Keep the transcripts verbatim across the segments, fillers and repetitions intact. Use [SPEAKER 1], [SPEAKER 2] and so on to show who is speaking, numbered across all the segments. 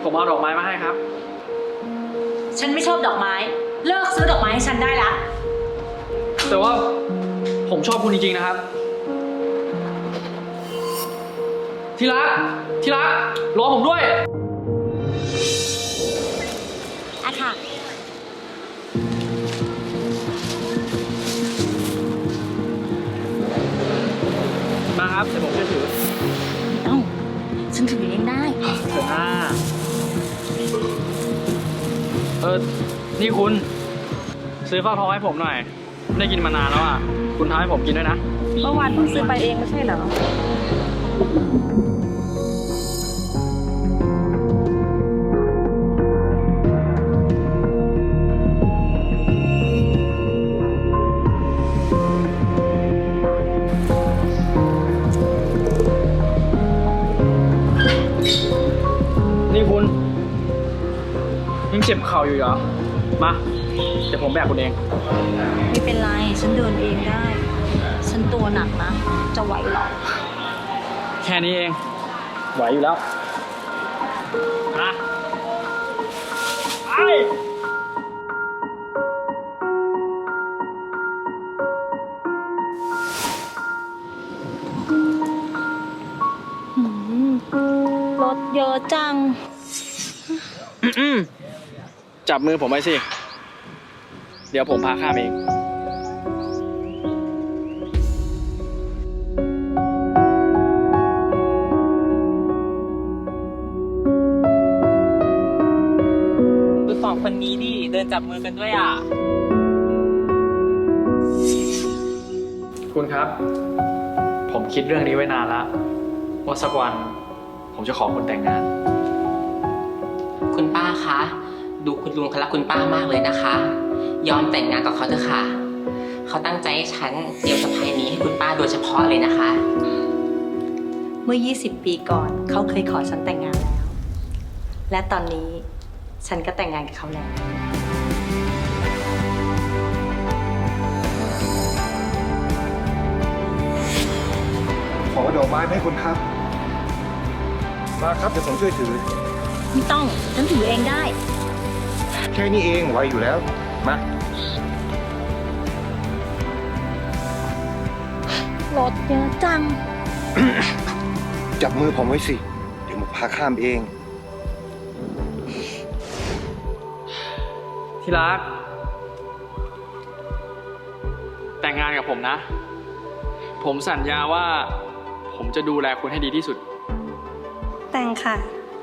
[SPEAKER 1] ผมเอาดอกไม้มาให้ครับ
[SPEAKER 2] ฉันไม่ชอบดอกไม้เลิกซื้อดอกไม้ให้ฉันได้ละ
[SPEAKER 1] แต่ว่าผมชอบคุณจริงๆนะครับที่รักที่รักรอผมด้วย
[SPEAKER 2] อะค่ะ
[SPEAKER 1] มาครับเดี๋ยวผมจะถือ
[SPEAKER 2] เอ้าฉันถือเองได้
[SPEAKER 1] เถอะอ่าเออนี่คุณซื้อฟักทองให้ผมหน่อยไม่ได้กินมานานแล้วอ่ะคุณทำให้ผมกินด้วยนะ
[SPEAKER 2] เมื่อวานเพิ่งซื้อไปเองไม่ใช่เหรอ
[SPEAKER 1] นี่คุณยังเจ็บเข่าอยู่เหรอมาเดี๋ยวผมแบกคุณเอง
[SPEAKER 2] ไม่เป็นไรฉันเดินเองได้ฉันตัวหนักนะจะไหวหรอ
[SPEAKER 1] แค่นี้เองไหวอยู่แล้วมาไป
[SPEAKER 2] รถเยอะจัง
[SPEAKER 1] จับมือผมไว้สิเดี๋ยวผมพาข้ามเอง
[SPEAKER 3] ดูสองคนนี้ดิเดินจับมือกันด้วยอ่ะ
[SPEAKER 1] คุณครับผมคิดเรื่องนี้ไว้นานแล้วว่าสักวันผมจะขอคุณแต่งงาน
[SPEAKER 3] คุณป้าคะดูคุณลุงเขารักคุณป้ามากเลยนะคะยอมแต่งงานกับเขาเถอะค่ะเขาตั้งใจให้ฉันเตรียมสะพายนี้ให้คุณป้าโดยเฉพาะเลยนะคะ
[SPEAKER 2] เมื่อยี่สิบปีก่อนเขาเคยขอฉันแต่งงานแล้วและตอนนี้ฉันก็แต่งงานกับเขาแล้ว
[SPEAKER 4] ขอดอกไม้ให้คุณครับมาครับเดี๋ยวผมช่วยถือ
[SPEAKER 2] ไม่ต้องฉันถือเองได้
[SPEAKER 4] แค่นี้เองไหวอยู่แล้วมาร
[SPEAKER 2] ถเยอะจัง
[SPEAKER 4] จับมือผมไว้สิเดี๋ยวผมพาข้ามเอง
[SPEAKER 1] ที่รักแต่งงานกับผมนะผมสัญญาว่าผมจะดูแลคุณให้ดีที่สุด
[SPEAKER 2] แต่งค่ะ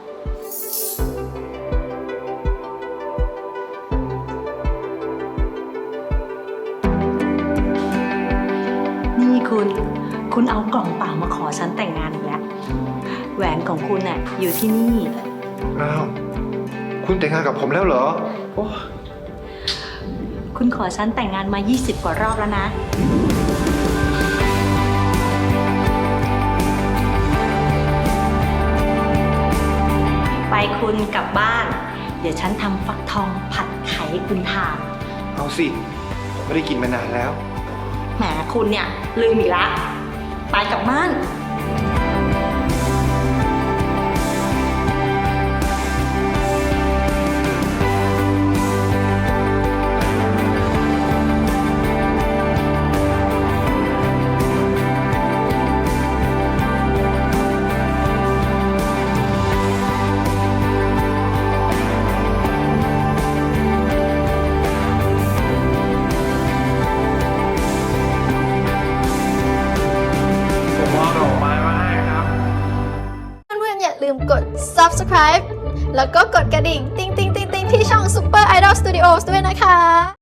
[SPEAKER 2] นี่คุณคุณเอากล่องเปล่ามาขอฉันแต่งงานอีกแล้วแหวนของคุณน่ะอยู่ที่นี่
[SPEAKER 4] อ้าวคุณแต่งงานกับผมแล้วเหรอ
[SPEAKER 2] คุณขอฉันแต่งงานมายี่สิบกว่ารอบแล้วนะไปคุณกลับบ้านเดี๋ยวฉันทำฟักทองผัดไข่ให้คุณทาน
[SPEAKER 4] เอาสิผมไม่ได้กินมานานแล้ว
[SPEAKER 2] แหมคุณเนี่ยลืมอีกแล้วไปกลับบ้าน
[SPEAKER 5] ลืมกด ซับสไครบ์ แล้วก็กดกระดิ่ง ติ๊งติ๊งติ๊งติ๊งที่ช่อง Super Idol Studios ด้วยนะคะ